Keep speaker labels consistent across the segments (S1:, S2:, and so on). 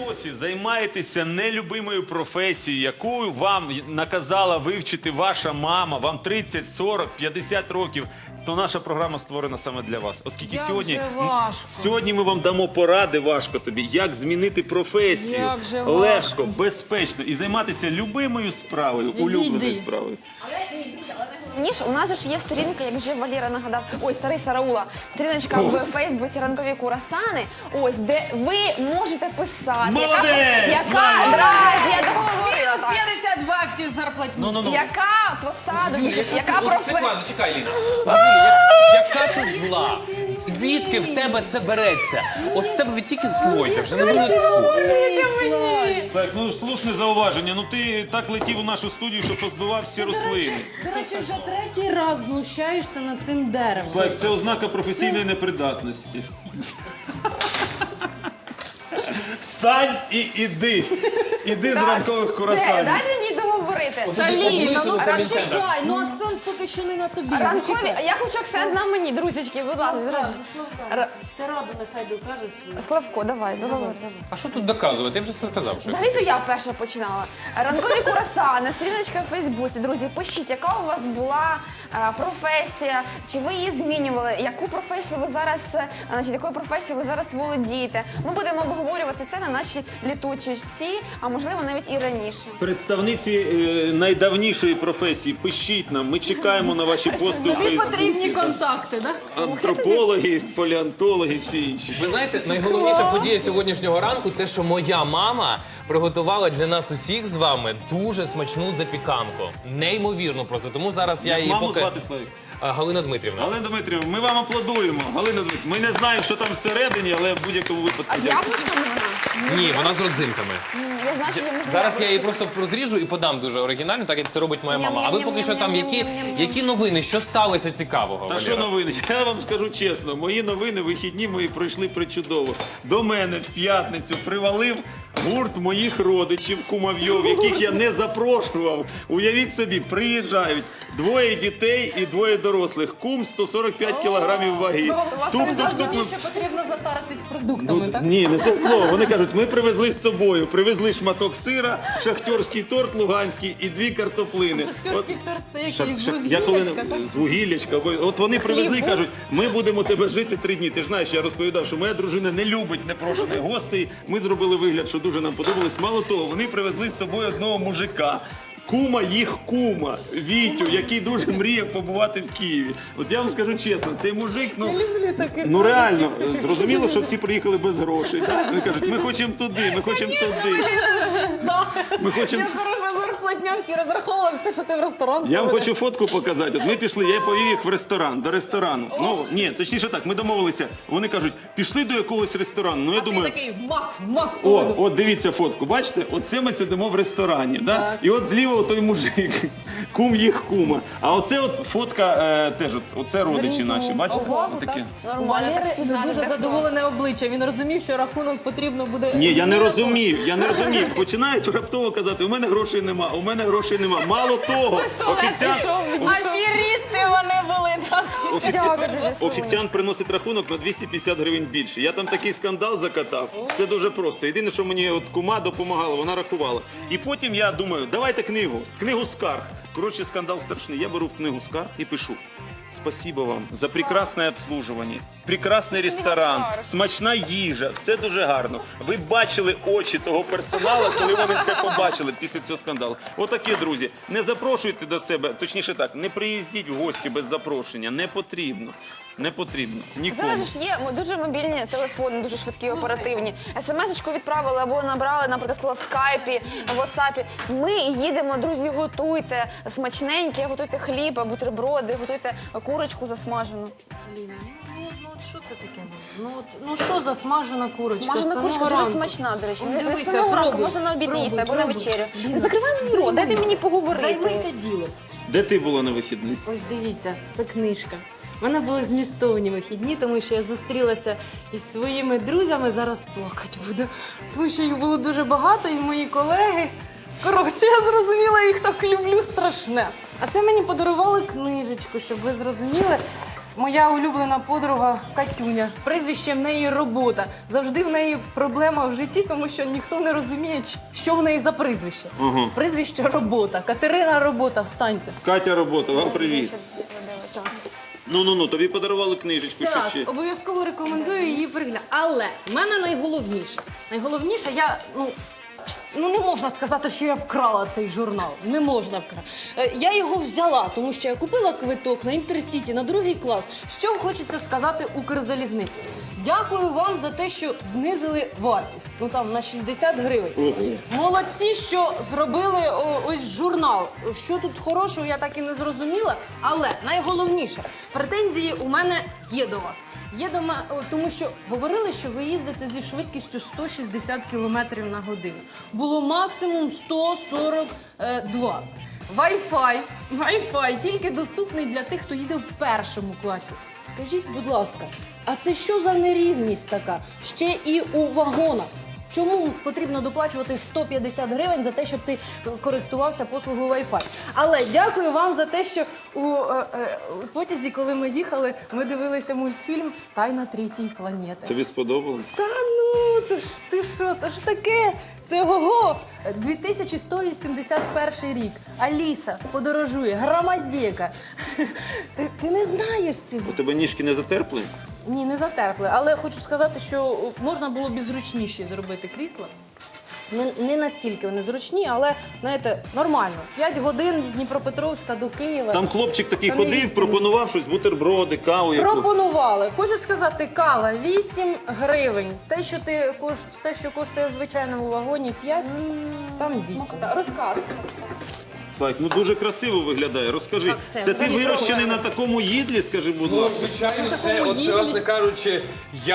S1: досі займаєтеся нелюбимою професією, яку вам наказала вивчити ваша мама, вам 30, 40, 50 років, то наша програма створена саме для вас. Оскільки сьогодні ми вам дамо поради, важко тобі, як змінити професію легко, безпечно і займатися любимою справою, улюбленою справою.
S2: Ніж, у нас же ж є сторінка, як вже Валера нагадав, ой, старий Сараула, сторіночка в Фейсбуці «Ранкові курасани», ось, де ви можете писати.
S1: Молодець!
S2: Я договорила так.
S3: 50 баксів зарплатню.
S2: Яка посада, яка професія?
S4: Чекай, Ліна. Юлія, яка ти зла? Звідки в тебе це береться? От з тебе тільки злойка, вже не буде слухати.
S1: Так, ну слушне зауваження. Ну ти так летів у нашу студію, що позбивав всі рослини.
S3: До речі, вже третій раз знущаєшся над цим деревом.
S1: Так, це ознака професійної непридатності. Встань і іди. Іди з ранкових
S2: Все,
S1: курасанів.
S2: дайте мені договорити.
S3: Чекай, ну акцент поки що не на тобі.
S2: Ранкові, я хочу акцент на мені, друзячки, будь ласка.
S3: Ти раду нехай докажеш свою.
S2: Славко, давай, договори.
S4: А що тут доказувати? Я вже все сказав. Що...
S2: Взагалі-то я перша починала. Ранкові курасани, сторіночка в Фейсбуці. Друзі, пишіть, яка у вас була професія, чи ви її змінювали, яку професію ви зараз, значить, якою професією ви зараз володієте. Ми будемо обговорювати це на нашій літучості, а можливо навіть і раніше.
S1: Представниці найдавнішої професії, пишіть нам, ми чекаємо на ваші пости у
S3: Тобі потрібні
S1: Фейсбуці.
S3: контакти, так?
S1: Антропологи, палеонтологи, всі інші.
S4: Ви знаєте, найголовніша подія сьогоднішнього ранку те, що моя мама приготувала для нас усіх з вами дуже смачну запіканку. Неймовірно просто. Тому зараз я її
S1: Маму звати Славік.
S4: Галина Дмитрівна.
S1: Галина Дмитрівна, ми вам аплодуємо. Галина Дмитрівна, ми не знаємо, що там всередині, але в будь-якому випадку.
S2: А яблучко вона?
S4: Ні, вона з родзинками.
S2: Я знаю, що я не
S4: Зараз я її просто розріжу і подам дуже оригінально, так як це робить моя мама. А ви поки що там які новини, що сталося цікавого?
S1: Та
S4: Валера?
S1: що новини? Я вам скажу чесно, мої новини, вихідні мої пройшли причудово. До мене в п'ятницю привалив гурт моїх родичів, кумовйов, яких я не запрошував. Уявіть собі, приїжджають двоє дітей і двоє дорослих. Кум 145 кілограмів ваги.
S3: Розумію, що потрібно затаритись продуктами, так?
S1: Ні, не те слово. Вони кажуть, ми привезли з собою. Привезли шматок сира, шахтерський торт луганський і 2 картоплини.
S3: Шахтерський торт – це якийсь з
S1: Я коли
S3: вугіллячка, так?
S1: з вугіллячка. От вони привезли і кажуть, ми будемо тебе жити 3 дні. Ти ж знаєш, я розповідав, що моя дружина не любить непрошених гостей. Ми зробили вигляд, що дуже нам подобалось. Мало того, вони привезли з собою одного мужика. Кума їх кума, Вітю, який дуже мріяв побувати в Києві. От я вам скажу чесно, цей мужик, ну реально, зрозуміло, що всі приїхали без грошей. Так? Вони кажуть, ми хочемо туди, ми хочемо туди. Ми хочемо...
S3: Хороша зарплатня, всі розраховували, те, що ти в ресторан.
S1: Я вам хочу фотку показати. От ми пішли, я повів їх в ресторан, до ресторану. Ну, ні, точніше так, ми домовилися. Вони кажуть, пішли до якогось ресторану. Ну, я думаю,
S3: Такий в мак.
S1: от дивіться фотку, бачите? Оце ми сидимо в ресторані, да? І от зліва той мужик, кум їх кума. А оце от фотка теж, оце родичі наші, бачите? Таке.
S3: У Валери дуже задоволене обличчя. Він розумів, що рахунок потрібно буде...
S1: Ні, я не розумів. Починають раптово казати, у мене грошей нема, у мене грошей нема. Мало того,
S3: Аферісти вони були, так?
S1: офіціант приносить рахунок на 250 гривень більше. Я там такий скандал закатав. Все дуже просто. Єдине, що мені от кума допомагала, вона рахувала. І потім я думаю, давайте книгу скарг. Коротше, скандал страшний. Я беру книгу скарг і пишу. Спасибо вам за прекрасне обслуживання, прекрасний ресторан, смачна їжа, все дуже гарно. Ви бачили очі того персоналу, коли вони це побачили після цього скандалу. Отаке, друзі, не запрошуйте до себе, точніше так, не приїздіть в гості без запрошення, не потрібно. Не потрібно. Нікому.
S2: Зараз ж є дуже мобільні телефони, дуже швидкі, оперативні. СМС-очку відправили або набрали, наприклад, в скайпі, в ватсапі. Ми їдемо, друзі, готуйте смачненьке, готуйте хліб, бутерброди, готуйте курочку засмажену.
S3: Ліна, ну от що це таке? Ну що за смажена курочка?
S2: Смажена курочка дуже смачна, до речі. Не з самого ранку, можна на обід їсти або на вечерю. Не закривай мені рот, дайте мені поговорити.
S3: Займися ділом.
S1: Де ти була на вихідних?
S3: Ось дивіться, це книжка. У мене були змістовні вихідні, тому що я зустрілася із своїми друзями, зараз плакати буду, тому що їх було дуже багато, і мої колеги. Коротше, я зрозуміла, їх так люблю страшне. А це мені подарували книжечку, щоб ви зрозуміли. моя улюблена подруга Катюня. Прізвище в неї робота. Завжди в неї проблема в житті, тому що ніхто не розуміє, що в неї за прізвище. Прізвище робота. Катерина робота, встаньте.
S1: Катя робота, вам привіт. Ну, тобі подарували книжечку, що
S3: Так,
S1: ще?
S3: обов'язково рекомендую її переглянути. Але в мене найголовніше, я, не можна сказати, що я вкрала цей журнал. Не можна вкрати. Я його взяла, тому що я купила квиток на Інтерсіті, на 2 клас. Що хочеться сказати Укрзалізниці? Дякую вам за те, що знизили вартість. На 60 гривень. Молодці, що зробили ось журнал. Що тут хорошого, я так і не зрозуміла. Але найголовніше, претензії у мене є до вас. Тому що говорили, що ви їздите зі швидкістю 160 км на годину. Було максимум 142. Wi-Fi тільки доступний для тих, хто їде в 1 класі. Скажіть, будь ласка, а це що за нерівність така? Ще і у вагонах. Чому потрібно доплачувати 150 гривень за те, щоб ти користувався послугою Wi-Fi? Але дякую вам за те, що у потязі, коли ми їхали, ми дивилися мультфільм «Тайна третьої планети».
S1: Тобі сподобалось?
S3: Та це ж ти що, це ж таке? Це ого! 2181 рік. Аліса подорожує, громадєка. Ти не знаєш цього?
S1: У тебе ніжки не затерпли?
S3: Ні, не затерпли. Але хочу сказати, що можна було б і зручніші зробити крісла. Не настільки вони зручні, але, знаєте, нормально. 5 годин з Дніпропетровська до Києва.
S1: Там хлопчик такий
S3: Це не
S1: ходив,
S3: 8.
S1: пропонував щось, бутерброди, каву.
S3: Пропонували. Хочу сказати, кава 8 гривень. Те, що коштує в звичайному вагоні 5, там 8.
S2: Розказуй.
S1: Слайк, дуже красиво виглядає. Розкажи,
S3: Так, все,
S1: це ти
S3: мені
S1: вирощений на такому їдлі, скажи, будь
S4: Ну,
S1: ласка?
S4: звичайно, це,
S3: такому
S4: от,
S3: їдлі.
S4: власне кажучи,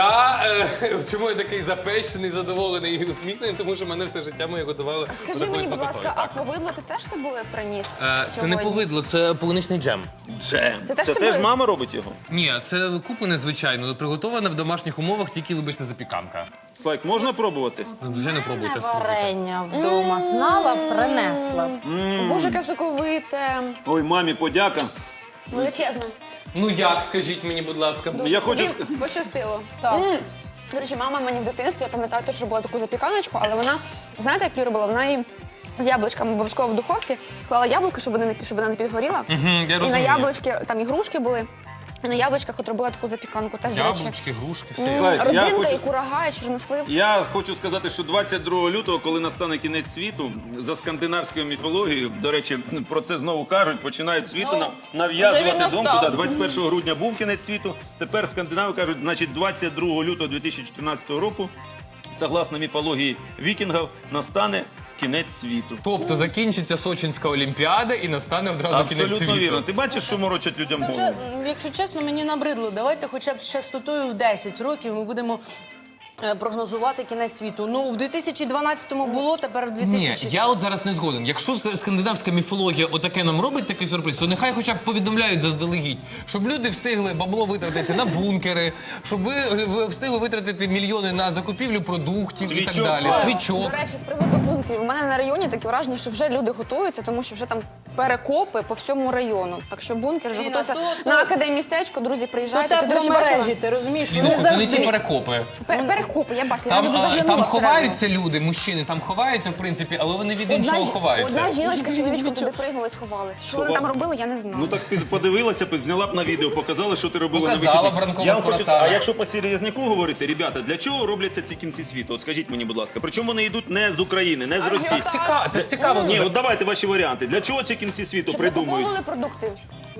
S4: чому я такий запещений, задоволений і усміхнений, тому що мене все життя моє готували до
S2: Скажи
S4: такої
S2: мені, будь
S4: смакотою.
S2: ласка, а повидло ти теж з собою приніс?
S4: Це не
S2: сьогодні?
S4: повидло, це полуничний джем.
S1: Джем.
S2: Ти теж
S1: Це
S2: собою-
S1: теж мама робить його?
S4: Ні, це куплене, звичайно, приготоване в домашніх умовах, тільки, вибачте, запіканка.
S1: Слайк, можна пробувати?
S4: Ну, вже не пробуйте, спробуйте.
S3: Варення вдома знала, принесла.
S2: Боже, яке соковите.
S1: Ой, мамі, подяка.
S2: Величезне.
S4: Ну як, скажіть мені, будь ласка.
S1: Я хочу...
S2: Тобі пощастило.
S3: Так.
S2: До речі, мама мені в дитинстві, я пам'ятаю, теж робила таку запіканочку, але вона, знаєте, як її робила? Вона її з яблучками обов'язково в духовці клала яблука, щоб вона не підгоріла.
S4: Я
S2: І на
S4: розумію.
S2: яблучки, там і грушки були. І на яблучках от робила таку запіканку. Теж, до речі.
S4: Яблучки, грушки, все.
S1: Слайк, я
S2: Родзинка,
S1: хочу-
S2: і курага, і чорнослив.
S1: Я хочу сказати, що 22 лютого, коли настане кінець світу, за скандинавською міфологією, до речі, про це знову кажуть, починають світу
S2: вже
S1: нав'язувати
S2: він
S1: думку.
S2: настав.
S1: Да, 21 грудня був кінець світу, тепер скандинави кажуть, значить 22 лютого 2014 року, согласно міфології вікінгів, настане кінець світу.
S4: Тобто закінчиться Сочинська Олімпіада і настане одразу кінець
S1: Абсолютно
S4: світу.
S1: вірно. Ти бачиш, що морочать людям
S3: Це
S1: голову?
S3: вже, якщо чесно, мені набридло. Давайте хоча б з частотою в 10 років ми будемо прогнозувати кінець світу. Ну, в 2012-му було, тепер в
S4: Ні,
S3: 2000...
S4: я от зараз не згоден. Якщо скандинавська міфологія отаке нам робить такий сюрприз, то нехай хоча б повідомляють заздалегідь, щоб люди встигли бабло витратити на бункери, щоб ви встигли витратити мільйони на закупівлю продуктів і так
S1: Свічок.
S4: далі.
S2: До
S4: Свічок.
S2: речі, з приводу бункерів. У мене на районі таке враження, що вже люди готуються, тому що вже там перекопи по всьому району. Так що бункер вже
S3: Ліна,
S2: готується.
S3: то-
S2: На академмістечко, друзі,
S3: То
S2: приїжджайте. Ти, до речі,
S3: тепломережі,
S2: бачила?
S3: ти розумієш?
S4: Ні,
S3: Вони
S4: ну, не ті
S3: завжди...
S4: перекопи.
S2: Перекопи, я бачила.
S4: Там,
S2: я заглянула
S4: там
S2: всередину.
S4: ховаються люди, мужчини, там ховаються, в принципі, але вони від іншого ховаються.
S2: Одна жіночка, чоловічка туди пригнули, сховалися. Що вони там робили, я не знаю.
S1: Ну так ти подивилася, зняла б на відео, показала, що ти робила
S4: Показала
S1: на вихідних.
S4: бранкову
S1: Я вам хочу
S4: курасану.
S1: сказати, а якщо по серйозняку говорити, ребята, для чого робляться ці кінці світу? От скажіть мені, будь ласка, причому вони йдуть не з України, не з Росії.
S4: Цікаво, це ж цікаво
S1: Ні,
S4: дуже.
S1: от давайте ваші варіанти. Для чого ці кінці світу
S2: Щоб
S1: придумують?
S2: викуповували продукти.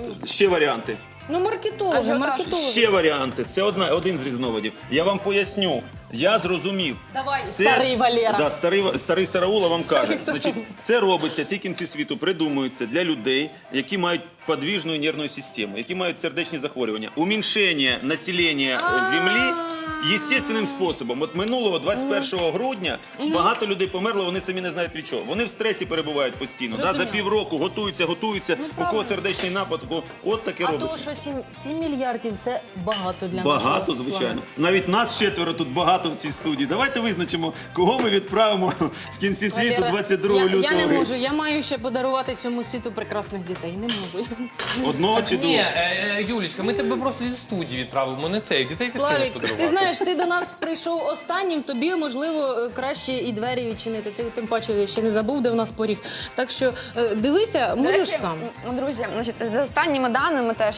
S1: Ще варіанти.
S3: Ну, маркетологи,
S2: Ажіотаж.
S3: маркетологи.
S1: Ще варіанти. Це один з різновидів. Я вам поясню. Я зрозумів.
S3: Давай, старий Валера.
S1: Да, старий Сараула вам каже.
S3: Старий
S1: Значить, це робиться, ці кінці світу придумуються для людей, які мають подвижну нервну систему, які мають сердечні захворювання. Уміншення населення Землі естественним способом. От минулого 21 грудня багато людей померло, вони самі не знають від чого. Вони в стресі перебувають постійно. Да, за півроку готуються, у кого сердечний напад, у кого от таке
S3: А
S1: робиться.
S3: то, що 7 мільярдів – це багато для нашого
S1: Багато, звичайно. Навіть нас 4 тут багато в цій студії. Давайте визначимо, кого ми відправимо в кінці світу
S3: Валера,
S1: 22 лютого.
S3: Я не можу, я маю ще подарувати цьому світу прекрасних дітей. Не можу.
S1: Одного чи
S4: Ні,
S1: двох?
S4: Юлічка, ми тебе просто зі студії відправимо, не цей. Дітей ти встигнеш
S3: Славік,
S4: подарувати.
S3: ти знаєш, ти до нас прийшов останнім, тобі, можливо, краще і двері відчинити. Ти тим паче ще не забув, де в нас поріг. Так що дивися,
S2: До
S3: можеш
S2: речі,
S3: сам.
S2: Друзі, значить, за останніми даними теж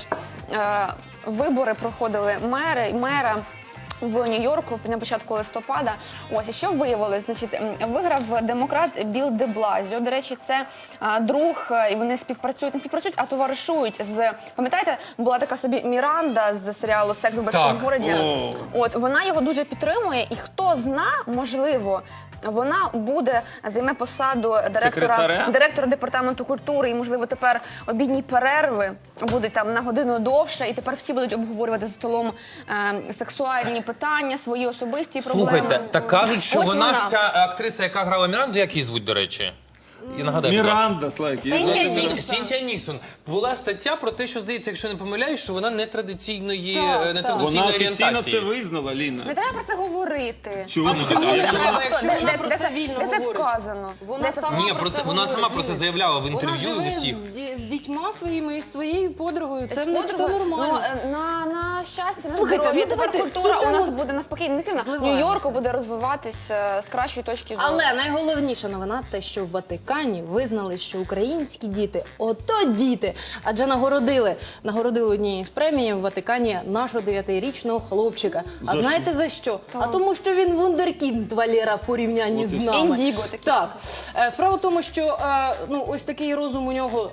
S2: вибори проходили мера в Нью-Йорку на початку листопада. Ось, і що виявилось? Значить, виграв демократ Білл де Блазіо. До речі, це друг, і вони не співпрацюють, а товаришують з... Пам'ятаєте, була така собі Міранда з серіалу «Секс в большому
S4: Так.
S2: городі».
S1: О.
S2: От, вона його дуже підтримує, і хто зна, можливо, вона займе посаду
S1: Секретаря?
S2: директора департаменту культури, і, можливо, тепер обідні перерви будуть там на годину довше, і тепер всі будуть обговорювати за столом сексуальні питання, свої особисті проблеми.
S4: Слухайте, так кажуть, що
S2: Ось
S4: вона ж ця актриса, яка грала Міранду, як її звуть, до речі? І нагадаю, будь ласка.
S1: Міранда, Слайк.
S2: Синтія Ніксон.
S4: Сінтія Ніксон. Була стаття про те, що, здається, якщо не помиляюсь, що вона нетрадиційної
S1: Вона
S4: орієнтації.
S1: офіційно це визнала, Ліна.
S2: Не треба про це говорити.
S1: Чого не
S3: чому не
S1: так?
S3: треба, якщо
S2: Де-
S3: вона
S2: де-
S3: про
S2: де
S3: це вільно
S2: Де це
S3: говорить?
S2: вказано?
S3: Вона
S2: Де це
S3: сама
S4: Ні,
S3: про це
S4: вона сама
S3: говорить.
S4: про це заявляла в інтерв'ю
S3: Вона
S4: і
S3: живе
S4: всіх.
S3: з дітьма своїми і своєю подругою. Це в них все
S2: подругою?
S3: нормально.
S2: Ну, на щастя, на
S3: Слухайте,
S2: здоров'я.
S3: ну
S2: Тепер
S3: давайте
S2: культура
S3: цю
S2: у нас
S3: тему
S2: буде навпаки негативна.
S3: зливаємо.
S2: Нью-Йорку буде розвиватися з кращої точки зору.
S3: Але найголовніша новина те, що в Ватикані визнали, що українські діти ото діти, адже нагородили однією з премій в Ватикані нашого 9-річного хлопчика. А знаєте за що? А тому, що він вундеркінд, Валера, в порівнянні з нами.
S2: Індіго такий.
S3: Так. Справа в тому, що ось такий розум у нього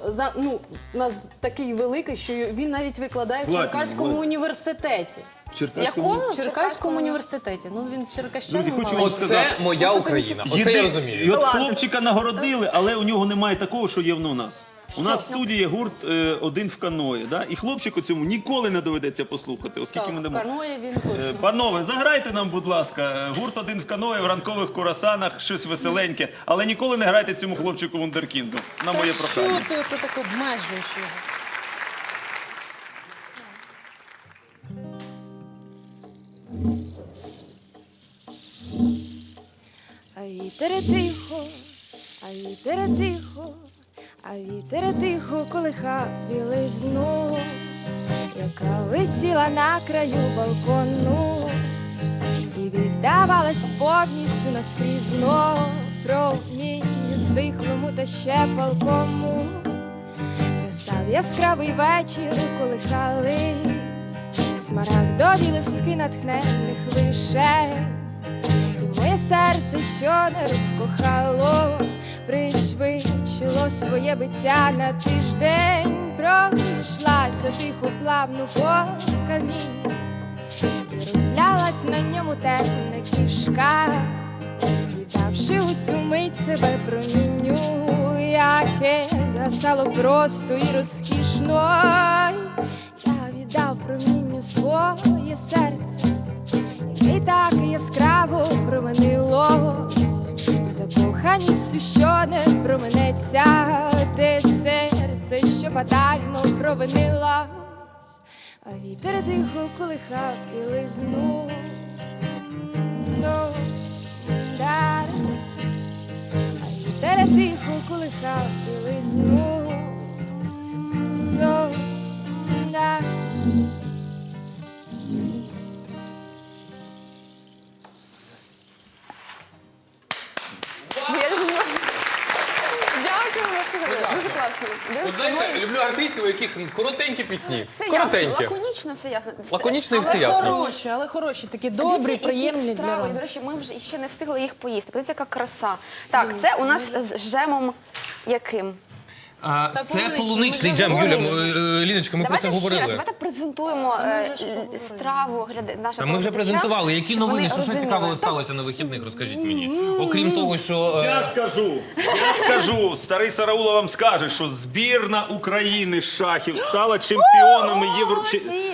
S3: такий великий, що він навіть викладає в
S1: Ладно,
S3: Черкаському
S1: ладно.
S3: університеті.
S2: Якому?
S3: В Черкаському університеті. Ну він черкащанин.
S1: Друзі, хочу
S3: маленький.
S1: вам сказати.
S4: Оце моя Україна. Оце я розумію.
S1: І от хлопчика нагородили, але у нього немає такого, що є у нас. У нас в студії є гурт «Один в каної», да? І хлопчику цьому ніколи не доведеться послухати, оскільки
S3: Так,
S1: ми не
S3: в
S1: можемо.
S3: каної він точно.
S1: Панове, заграйте нам, будь ласка, гурт «Один в каної» в ранкових курасанах, щось веселеньке, але ніколи не грайте цьому хлопчику вундеркінду. На моє
S3: Та
S1: прохання.
S3: що ти оце так обмежуєш його?
S5: А вітер тихо, а вітер тихо, а вітер тихо колихав білизну, яка висіла на краю балкону і віддавалась повністю наскрізно промінню стихлому та ще палкому. Застав яскравий вечір, колихались смарагдові листки натхненних вишень. І моє серце, що не розкохало, пришвидшило своє биття на тиждень, пройшлася тихо плавно по камінню і розлялась на ньому темна кішка, віддавши у цю мить себе промінню, яке згасало просто і розкішно. Я віддав промінню своє серце, і так яскраво променилось, закоханістю, що не променеться, те серце, що фатально провинилось, а вітер тихо колихав і лизнув. А вітер тихо колихав і лизнув.
S2: Я дуже можу. Дякую, дуже класно.
S4: От знаєте, люблю артистів, у яких коротенькі пісні.
S2: Все ясно,
S4: Коротенькі.
S2: лаконічно, все ясно.
S4: Лаконічно і все ясно.
S3: Але хороші, такі добрі,
S2: Дивіться,
S3: приємні
S2: які
S3: для
S2: страви.
S3: вас.
S2: І, до речі, ми вже ще не встигли їх поїсти. Подивіться, яка краса. Так, це у нас з джемом яким?
S4: Це
S3: полуничний,
S4: полуничний
S3: ми
S4: джем,
S3: вже
S4: Юля,
S2: говорили.
S4: Ліночка, ми про це говорили.
S2: Давайте презентуємо
S3: вже ж поговорили.
S2: страву нашим
S4: Та ми вже
S2: телеглядачам,
S4: презентували. Які
S2: щоб
S4: новини,
S2: вони
S4: що
S2: розуміли.
S4: цікавого сталося на вихідних, розкажіть мені. Окрім того, що...
S1: Я скажу, старий Сараула вам скаже, що збірна України з шахів стала чемпіонами
S2: молодці!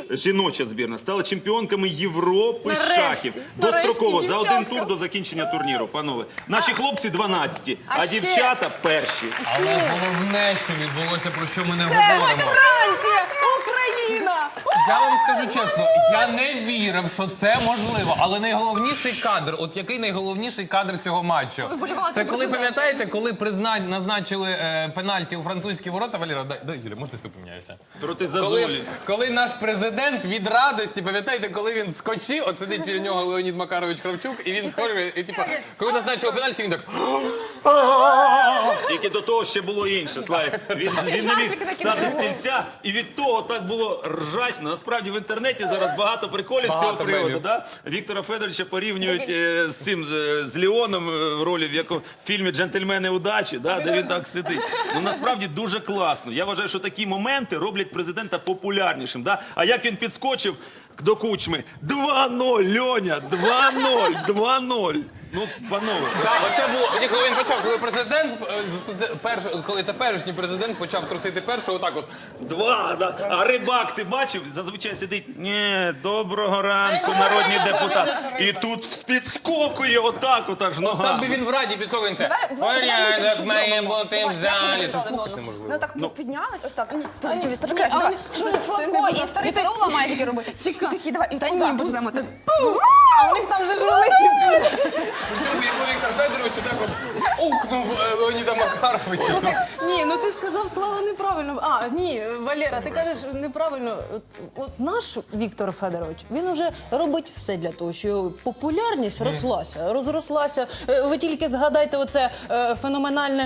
S1: жіноча збірна, стала чемпіонками Європи з
S3: Нарешті,
S1: шахів.
S3: нарешті,
S1: Достроково, за один
S3: дівчатка.
S1: тур до закінчення турніру, панове. Наші хлопці 12-ті,
S3: А
S1: а
S3: ще-
S1: дівчата перші.
S4: Але головне, що відбулося, про що ми не
S3: Це
S4: говоримо.
S3: Франція, Україна!
S4: Я вам скажу чесно, я не вірив, що це можливо. Але найголовніший кадр, от який найголовніший кадр цього матчу?
S2: вболівали
S4: Це
S2: за
S4: коли,
S2: президента.
S4: пам'ятаєте, коли назначили пенальті у французькі ворота, Валера, дай, Юля, можна я поміняюся?
S1: Проти Зазолі.
S4: Коли наш президент від радості, пам'ятаєте, коли він скочив, от сидить біля нього Леонід Макарович Кравчук, і він схожий, і типу, коли назначили пенальті, він так...
S1: Тільки до того ще було інше, Славік. Він не міг
S2: Жахи такі
S1: стати з
S2: були.
S1: стільця, і від того так було ржачно. Насправді в інтернеті зараз багато приколів з цього
S4: Багато
S1: приводу.
S4: мемів.
S1: Да? Віктора Федоровича порівнюють з цим, з Леоном в ролі в якому фільмі «Джентльмени удачі», да? Де він так сидить. Ну насправді дуже класно. Я вважаю, що такі моменти роблять президента популярнішим. Да? А як він підскочив до Кучми? 2-0, Льоня, 2-0, 2-0. Ну, панове.
S4: Так, оце було, коли він почав, коли президент, коли теперішній президент почав трусити першого, отак от.
S1: 2, да. А Рибак, ти бачив? Зазвичай сидить, ні, доброго ранку, народні депутати. І тут підскокує отак, от аж
S4: Так
S1: ногами.
S4: би він в раді підскокує, це порядок має бути в залі. Це ж неможливо.
S2: Ну так піднялись, ось так.
S3: Ні,
S2: Почекай,
S3: але
S2: давай.
S3: що
S2: Це
S3: це
S2: Славко
S3: не
S2: і старий Тарула має таке робити.
S3: Чекай.
S2: Такі, давай, і
S3: Та
S2: так,
S3: ні,
S2: так,
S3: будь-
S2: будемо так.
S3: А у них там вже ж великий.
S4: Причому якби Віктор Федорович так от укнув Леоніда Макаровича.
S3: Ні, ну ти сказав Слава неправильно. А, ні, Валера, ти кажеш неправильно. От наш Віктор Федорович, він уже робить все для того, щоб популярність розрослася. Ви тільки згадайте оце феноменальне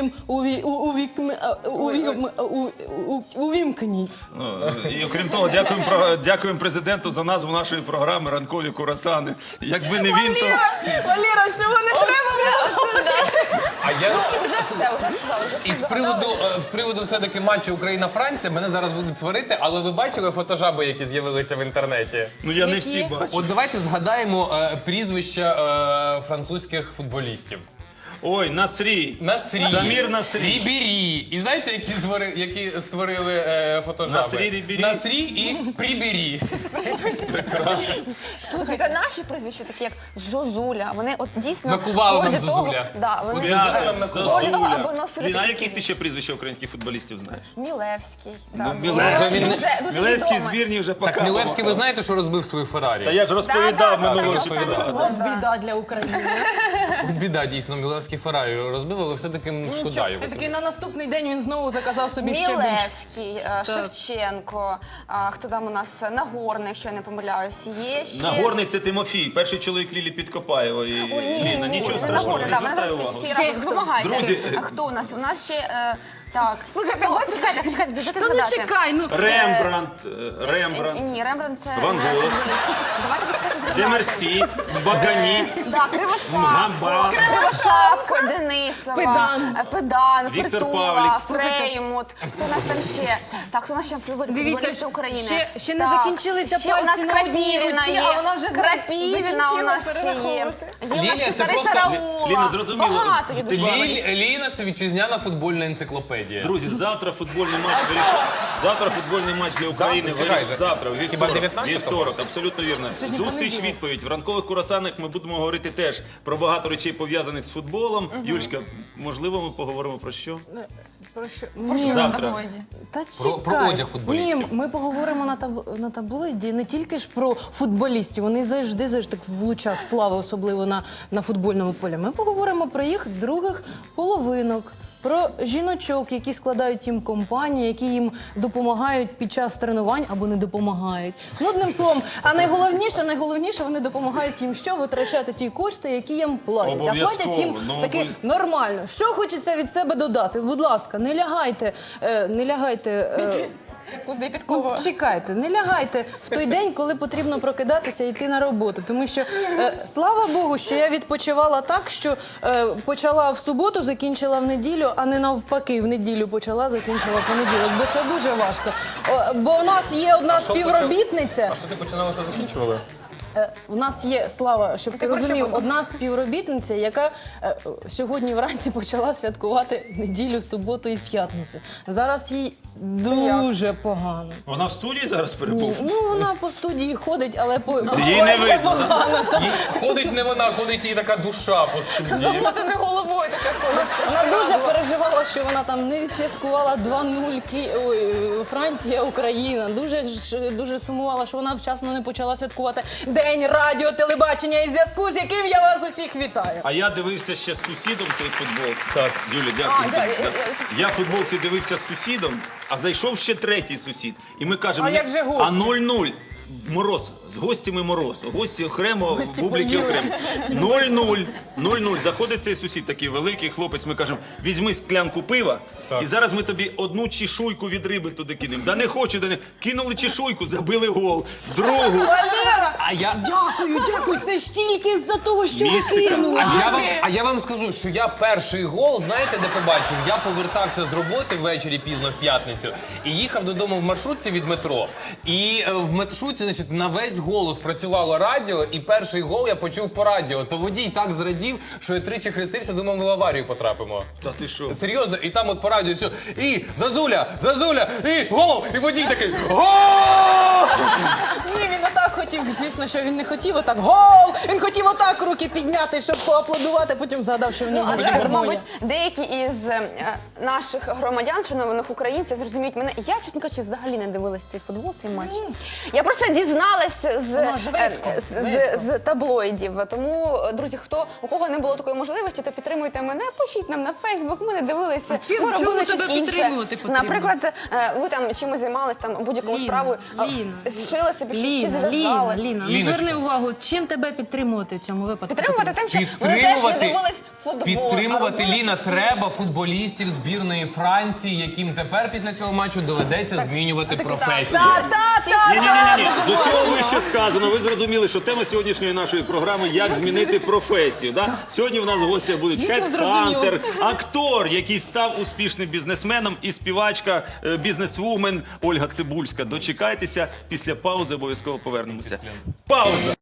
S3: увімкніть.
S1: Ну, і окрім того, дякуємо президенту за назву нашої програми «Ранкові курасани». Якби не він, то...
S3: Валера, цього не треба було.
S4: А я...
S2: Вже все, вже сказали.
S4: І з приводу все-таки матчу Україна-Франція мене зараз будуть сварити, але ви бачили фотожаби, які з'явилися в інтернеті?
S1: Ну я не всі бачу.
S4: От давайте згадаємо прізвища французьких футболістів.
S1: Ой, Насрі.
S4: Насрі,
S1: Замір Насрі.
S4: Рібері. І знаєте, які створили фотожаби?
S1: Насрі, Рібері.
S4: Насрі і Прібері.
S2: Слухайте, наші прізвища, такі як Зозуля, вони от дійсно...
S4: Накували нам
S2: горді того-
S4: Зозуля.
S2: Да, вони
S1: Я,
S2: горді того, аби
S1: Зазуля.
S2: носили
S1: Блін, а
S2: такі
S1: яких ти
S2: прізвища.
S1: ще прізвища українських футболістів знаєш?
S2: Мілевський. да.
S1: Мілевський.
S2: Дуже
S1: Мілевський
S2: відомий.
S1: збірні вже
S4: Так,
S1: пока.
S4: Мілевський, ви знаєте, що розбив свою Феррарі?
S1: Та я ж розповідав
S2: Да,
S1: минулого
S2: да,
S1: часу.
S2: останній
S3: От біда для України.
S4: Біда, дійсно, Мілевський Феррарі розбив, але все-таки шкода його.
S3: Такий на наступний день він знову заказав собі ще більше.
S2: Мілевський, Шевченко, хто там у нас, Нагорний, якщо я не помиляюсь, є ще...
S1: Нагорний це Тимофій, перший чоловік Лілі Підкопаєва. І Ліна, нічого страшного,
S2: Нагорний,
S1: не
S2: да, вони
S1: звертай
S2: зараз
S1: увагу.
S2: всі разом допомагають.
S1: Друзі,
S2: А хто у нас? У нас ще, так.
S3: Слухайте,
S2: Хто?
S3: бачите?
S2: Чекайте, дайте
S3: Та ну
S2: згадати.
S3: чекай, ну.
S1: Рембрандт,
S2: Ні, Рембрандт це...
S1: Ван Гог.
S2: Давайте почекайте згадати.
S1: Демерсі, Багані,
S2: Да, Кривошапко,
S1: Гамба.
S2: Кривошапко, Денисова, Педан,
S1: Віктор
S2: Притула,
S1: Павлік.
S2: Фреймут. Хто у нас там ще? Так, хто у нас ще
S3: Дивіться,
S2: футболісти України?
S3: ще не
S2: Так,
S3: закінчилися
S2: ще у нас
S3: пальці на одній
S2: Крапівіна
S3: руці,
S2: є.
S3: а вона вже
S2: Крапівіна у нас ще є.
S3: перераховувати.
S2: Є у
S4: Ліля,
S2: нас ще
S4: це
S2: Тараса
S4: просто-
S2: Раула.
S1: Ліна, зрозуміло.
S2: Багато є
S1: Ти
S2: дуже.
S4: Ліна – це вітчизняна футбольна енциклопедія.
S1: Друзі, завтра футбольний матч вирішить. Завтра футбольний матч для України
S4: Завтра?
S1: вирішить.
S4: Чекай же.
S1: Завтра,
S4: Хіба
S1: вівторок.
S4: 19-го?
S1: Вівторок, абсолютно вірно. Зустріч, відповідь. В ранкових курасанах ми будемо говорити теж про багато речей пов'язаних з футболом. Юльчка, можливо, ми поговоримо про що?
S3: Про що?
S1: Завтра.
S3: Та
S4: Про
S3: чекай.
S4: одяг футболістів.
S3: Ні, ми поговоримо на таблоїді не тільки ж про футболістів, вони завжди так в лучах слави, особливо на футбольному полі. Ми поговоримо про їх других половинок. Про жіночок, які складають їм компанії, які їм допомагають під час тренувань або не допомагають. Ну, одним словом, а найголовніше, вони допомагають їм що? Витрачати ті кошти, які їм платять. А
S1: Обов'язково.
S3: платять їм
S1: Ну,
S3: таки нормально. Що хочеться від себе додати? Будь ласка, не лягайте.
S2: Куди під кого?
S3: Чекайте, не лягайте в той день, коли потрібно прокидатися і йти на роботу. Тому що, слава Богу, що я відпочивала так, що почала в суботу, закінчила в неділю, а не навпаки, в неділю почала, закінчила в понеділок. Бо це дуже важко. Бо у нас є одна співробітниця.
S4: А що ти починала, що закінчувала?
S3: У нас є, Слава, щоб ти
S2: про що
S3: розумів,
S2: подумав?
S3: одна співробітниця, яка сьогодні вранці почала святкувати неділю, суботу і п'ятницю. Зараз їй дуже погано.
S1: Вона в студії зараз перебув?
S3: Ну, вона по студії ходить, але
S1: Їй не
S3: почувається
S1: видно.
S3: погано. так.
S4: Ходить не вона, ходить її така душа по студії.
S2: Замотана не головою така ходить.
S3: Вона дуже переживала, що вона там не відсвяткувала 2-0 Франція, Україна. Дуже сумувала, що вона вчасно не почала святкувати День радіо, телебачення і зв'язку, з яким я вас усіх вітаю.
S1: А я дивився ще з сусідом той футбол. Так, Юля, дякую. Я в футболці дивився з сусідом, а зайшов ще третій сусід. І ми кажемо,
S3: А як же гості?
S1: а 0-0. Мороз, з гостями мороз. Гості окремо,
S3: Гості
S1: публіки
S3: поїли.
S1: окремо. 0-0. 0-0. Заходить цей сусід, такий великий хлопець. Ми кажемо, візьми склянку пива, і зараз ми тобі одну чешуйку від риби туди кинемо. Да не хочу, да не. Кинули чешуйку, забили гол. Другу.
S3: Валера!
S4: А я...
S3: Дякую, це ж тільки з-за того, що ви
S1: Містика.
S3: кинули.
S4: А я вам скажу, що я перший гол, знаєте, де побачив? Я повертався з роботи ввечері пізно в п'ятницю і їхав додому в маршрутці від метро. І в маршрутці, значить, на весь голос працювало радіо, і перший гол я почув по радіо. То водій так зрадів, що я тричі хрестився, думав, ми в аварію потрапимо.
S1: Та ти що?
S4: Серйозно, і там от по радіо все. І Зазуля, і гол! І водій такий гол!
S3: Ні, він отак хотів, звісно, що він не хотів отак гол! Він хотів отак руки підняти, щоб поаплодувати, потім згадав, що в нього
S2: А
S3: буде
S2: зараз,
S3: гармонія.
S2: мабуть, деякі із наших громадян, шанованих українців, зрозуміють мене. Я, чесно кажучи, взагалі не дивилась цей футбол, цей матч. Я просто дізналась
S3: Воно швидко,
S2: з таблоїдів. Тому, друзі, у кого не було такої можливості, то підтримуйте мене, пишіть нам на Фейсбук. Ми не дивилися.
S3: чим-
S2: Ми
S3: чому
S2: робили
S3: тебе
S2: щось інше.
S3: підтримувати потрібно?
S2: Наприклад, ви там чимось займались, там будь-якою справою, зшили собі щось чи зв'язали.
S3: Ліна, ну
S4: Ліночка.
S3: зверни увагу, чим тебе підтримувати в цьому випадку?
S2: Підтримувати тим, що вони теж не дивились футбол.
S4: Підтримувати,
S2: а робили
S4: Ліна,
S2: щось
S4: треба футболістів збірної Франції, яким тепер після цього матчу доведеться змінювати професію.
S1: Ні. З усього вище сказано, ви зрозуміли, що тема сьогоднішньої нашої програми «Як змінити професію». Да? Сьогодні в нас в гостях будуть
S3: Звісно,
S1: хедхантер, актор, який став успішним бізнесменом, і співачка, бізнесвумен Ольга Цибульська. Дочекайтеся, після паузи обов'язково повернемося. Пауза!